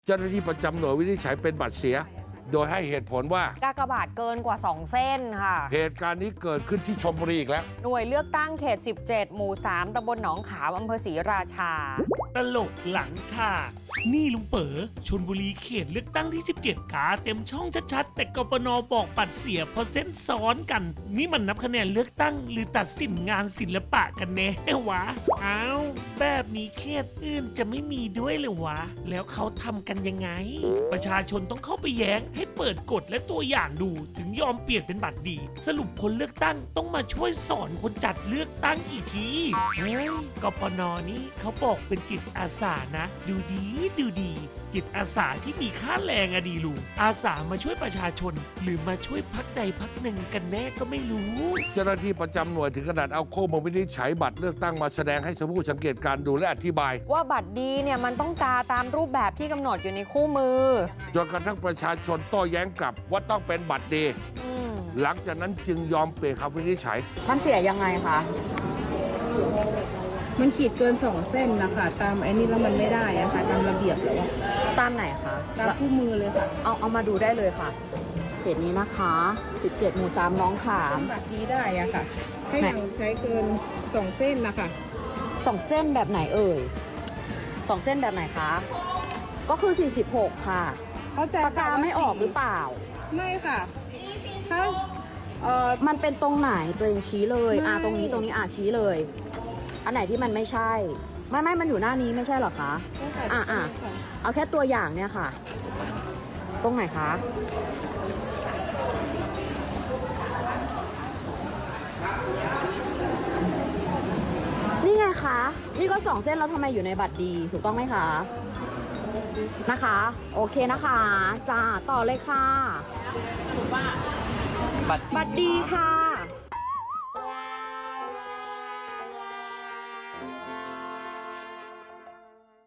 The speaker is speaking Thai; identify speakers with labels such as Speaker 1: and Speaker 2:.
Speaker 1: เจ้าหน้าที่ประจำหน่วยวินิจฉัยเป็นบัตรเสีย โดยให้เหตุผลว่าก
Speaker 2: ากบาทเกินกว่า 2 เส้นค่ะ
Speaker 1: เหตุการณ์นี้เกิดขึ้นที่ชลบุรีอีกแล้ว
Speaker 2: หน่วยเลือกตั้งเขต 17 หมู่ 3 ตำบลหนองขามอำเภอศรีราชา
Speaker 3: ตลกหลังฉากนี่ลุงเป๋อชลบุรีเขตเลือกตั้งที่ 17 กาเต็มช่องชัดๆแต่กปนบอกปัดเสียเพราะเส้นซ้อนกัน นี่มันนับคะแนนเลือกตั้งหรือตัดสินงานศิลปะกันแน่วะอ้าวแบบนี้เขตอื่นจะไม่มีด้วยเลยวะ แล้วเขาทำกันยังไง ประชาชนต้องเข้าไปแย้งให้เปิดกฎและตัวอย่างดูถึงยอมเปลี่ยนเป็นบัตรดี สรุปคนเลือกตั้งต้องมาช่วยสอนคนจัดเลือกตั้งอีกทีเฮ้ยกปนนี่เขาบอกเป็นจิตอาสานะ ดูดีจิตอาสาที่มีค่าแรงอะดีลูกอาสามาช่วยประชาชน หรือมาช่วยพักใดพักหนึ่งกันแน่ก็ไม่รู้
Speaker 1: เจ้าหน้าที่ประจำหน่วยถึงขนาดเอาข้อมูลวินิจฉัยบัตรเลือกตั้งมาแสดงให้ผู้สังเกตการณ์ดูและอธิบาย
Speaker 2: ว่าบัตรดีเนี่ยมันต้องกาตามรูปแบบที่กำหนดอยู่ในคู่มือ
Speaker 1: จนกระทั่งประชาชนโต้แย้งกลับว่าต้องเป็นบัตรดี
Speaker 2: อืม
Speaker 1: หลังจากนั้นจึงยอมเปลี่ยนคำวินิจฉัย
Speaker 2: มันเสียยังไงคะ
Speaker 4: มันขีดเกิน2 เส้นนะคะตามไอ้นี่แล้วมันไม่ได้อะค่ะตามระเบียบแล้วอะ
Speaker 2: ตามไหนคะ
Speaker 4: ตามคู่มือเลยค่ะ
Speaker 2: เอามาดูได้เลยค่ะเขตนี้นะคะ 17 หมู่ 3 น้องขาม
Speaker 4: บัตรนี้ได้อะค่ะ ให้ยังใช้เกิน2 เส้นนะคะ
Speaker 2: 2 เส้นแบบไหนเอ่ย2 เส้นแบบไหนคะ ก็คือ 46 ค่ะ
Speaker 4: เข้าใจ
Speaker 2: ปากกาไม่ออกหรือเปล่า
Speaker 4: ไม่ค่ะ ถ้า
Speaker 2: มันเป็นตรงไหนตัวเองชี้เลย
Speaker 4: ไม่
Speaker 2: ตรงนี้ชี้เลย อันไหนที่มันไม่ใช่ ไม่มันอยู่หน้านี้ไม่ใช่เหรอคะ เอาแค่ตัวอย่างเนี่ยค่ะ ตรงไหนคะ นี่ไงคะ นี่ก็2 เส้นแล้วทำไมอยู่ในบัตรดีถูกต้องไหมคะ นะคะ โอเคนะคะจ้าต่อเลยค่ะบัตรดีค่ะ